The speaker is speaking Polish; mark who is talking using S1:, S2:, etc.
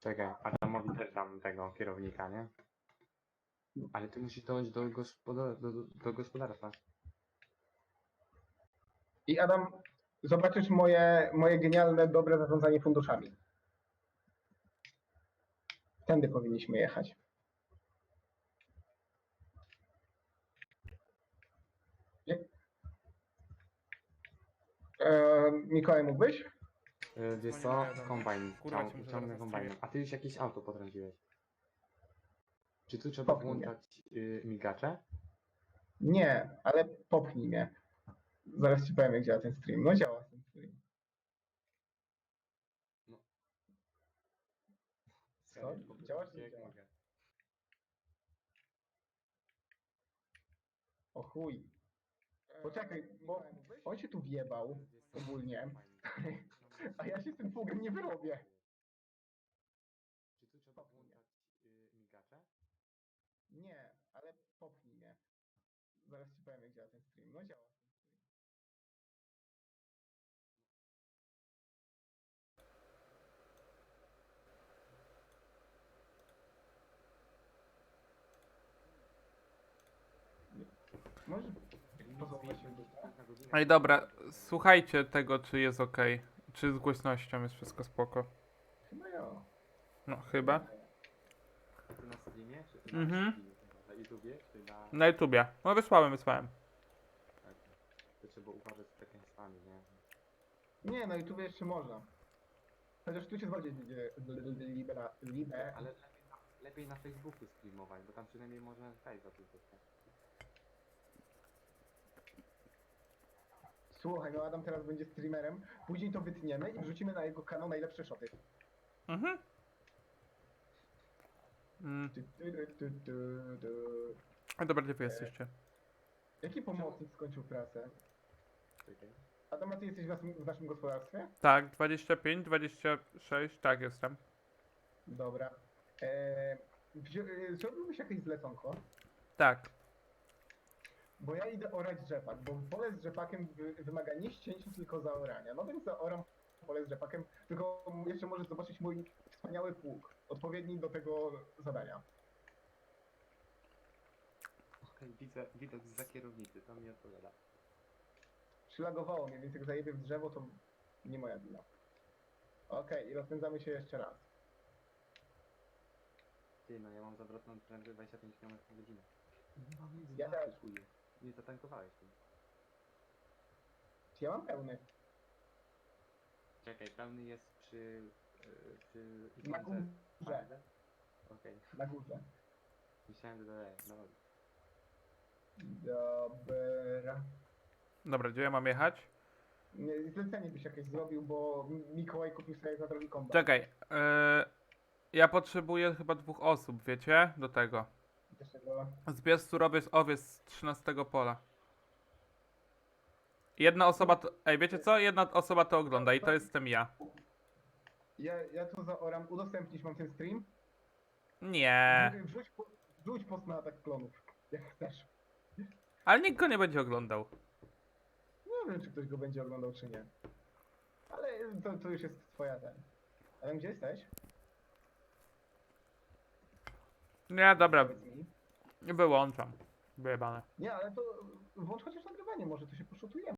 S1: Czekaj, Adamowi też dam tego kierownika, nie? Ale ty musisz dojść do gospodarstwa.
S2: I Adam, zobaczysz moje genialne, dobre zarządzanie funduszami. Tędy powinniśmy jechać. Mikołaj, mógłbyś?
S1: Wiesz co?
S3: Dzwonię do mnie.
S1: Kombajn.
S3: Kurwa cię muszę
S1: Ciągnę
S3: zaraz
S1: kombajnem.
S3: streamie.
S1: A ty już jakieś auto potrąciłeś. Czy tu trzeba
S2: Popchnij mnie.
S1: włączać migacze?
S2: Nie, ale popchnij mnie. Zaraz ci powiem, jak działa ten stream. No działa ten stream. Co? Działa czy nie
S1: Jak
S2: działa?
S1: mogę?
S2: O chuj. Poczekaj, bo on się tu wjebał ogólnie, a ja się z tym pługiem nie wyrobię.
S1: Czy tu trzeba włączać migacze?
S2: Nie, ale popchnij mnie. Zaraz ci powiem, jak działa ten stream. No działa ten stream. Może pozwolić się
S3: Ej, dobra, słuchajcie tego, czy jest ok. Czy z głośnością jest wszystko spoko.
S2: Chyba ja.
S3: No, chyba.
S1: Tu na streamie? Czy
S3: Mhm.
S1: na YouTubie? Czy na...
S3: Na YouTubie. No, wysłałem.
S1: Tak. To trzeba uważać z przekleństwami, nie?
S2: Nie, na YouTube jeszcze można. Chociaż tu się bardziej
S1: Ale lepiej na Facebooku streamować, bo tam przynajmniej można Skype'a tylko.
S2: Słuchaj, no Adam teraz będzie streamerem, później to wytniemy i wrzucimy na jego kanał najlepsze shoty.
S3: Mhm.
S2: Tu, tu, tu, tu, tu.
S3: A dobra, gdzie wy jesteście?
S2: Jaki pomocnik skończył pracę?
S1: Czekaj.
S2: Adam, a ty jesteś w naszym gospodarstwie?
S3: Tak, 25, 26, tak jestem.
S2: Dobra. Zrobiłbyś jakieś zleconko?
S3: Tak.
S2: Bo ja idę orać rzepak, bo pole z rzepakiem wymaga nie ścięcia, tylko zaorania. No więc zaoram pole z rzepakiem, tylko jeszcze możesz zobaczyć mój wspaniały pług, odpowiedni do tego zadania.
S1: Okej, widzę widok zza kierownicy, to mi odpowiada.
S2: Przylagowało mnie, więc jak zajebię w drzewo, to nie moja wina. Okej, i rozpędzamy się jeszcze raz.
S1: Ty, no ja mam zawrotną prędkość 25 km na godzinę. Nie mam nic
S2: Ja też.
S1: chuje. Nie zatankowałeś tu.
S2: Czy ja mam pełny?
S1: Czekaj, pełny jest przy
S2: Na
S1: ikonce
S2: górze.
S1: AMD? Okej,
S2: Na górze.
S1: myślałem, że dalej, no.
S2: Dobra.
S3: Dobra, gdzie ja mam jechać?
S2: Zlecenie byś jakieś zrobił, bo Mikołaj kupił sobie za drogi kombat.
S3: Czekaj, ja potrzebuję chyba 2 osób, wiecie? Do tego.
S2: Dlaczego?
S3: Zbierz surowiec owiec z 13 pola. Jedna osoba to... Ej, wiecie co? Jedna osoba to ogląda i to jestem ja.
S2: Ja tu zaoram, udostępnisz mam ten stream?
S3: Nie.
S2: Wrzuć post na atak klonów, jak chcesz.
S3: Ale nikt go nie będzie oglądał.
S2: Nie wiem, czy ktoś go będzie oglądał, czy nie. Ale to już jest twoja ten. Ale gdzie jesteś?
S3: Nie, dobra,
S2: Powiedz mi.
S3: wyłączam. Wyjebane.
S2: Nie, ale to włącz chociaż nagrywanie, może to się poszutujemy.